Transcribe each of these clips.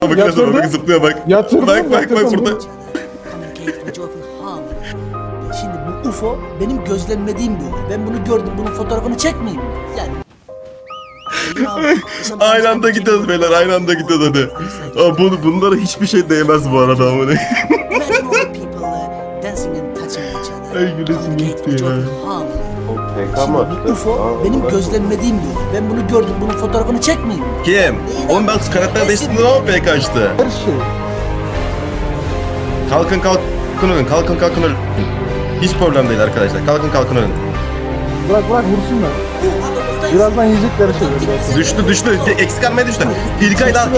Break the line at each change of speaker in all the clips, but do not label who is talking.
Bak
Yatırdım.
bak zıplıyor bak.
Yatırdım,
Bak
yatırdım.
burada.
Şimdi bu UFO benim gözlemlediğim bir olay. Ben bunu gördüm, bunun fotoğrafını çekmeyeyim mi? Yani.
Aynı anda gidiyoruz beyler, aynı anda gidiyoruz hadi. Bunlara hiçbir şey değmez bu arada ama ne? Ay gülesim gitti ya.
PK mı açtı?
Bu UFO benim gözlemlediğim bir olay. Ben bunu gördüm, bunun fotoğrafını çekmeyeyim mi?
Kim? Oğlum ben karakter değiştirdim ama PK açtı.
Her şey.
Kalkın ölün, kalkın ölün. Hiç problem değil arkadaşlar, kalkın ölün.
Bırak vursunlar. Birazdan yiyecekleri şeyler.
Düştü, eksik almaya düştü. İlkay daha.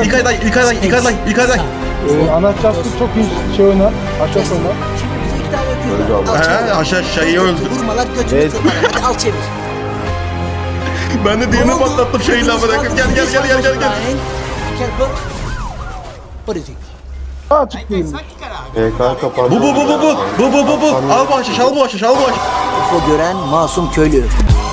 Anahtarlık çok iyi şey oynar. Aşağı oynar.
Şimdi bize iki tane öpüyorlar.
He, aşağıyı öldü.
Vurmalar götünü
Evet.
kırmalar. Hadi al çevir.
Ben de diğerini patlattım şeyle bırakıp gel.
Careful. What do you think?
Açık değil.
PK kapandı.
Bu. Al bu haşiş.
UFO gören masum köylü.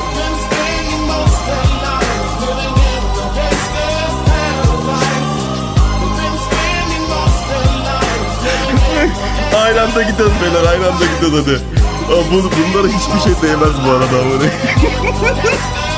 Aynı anda gidiyoruz beyler, aynı anda gidiyoruz hadi. Bunlara hiçbir şey değmez bu arada ama ne?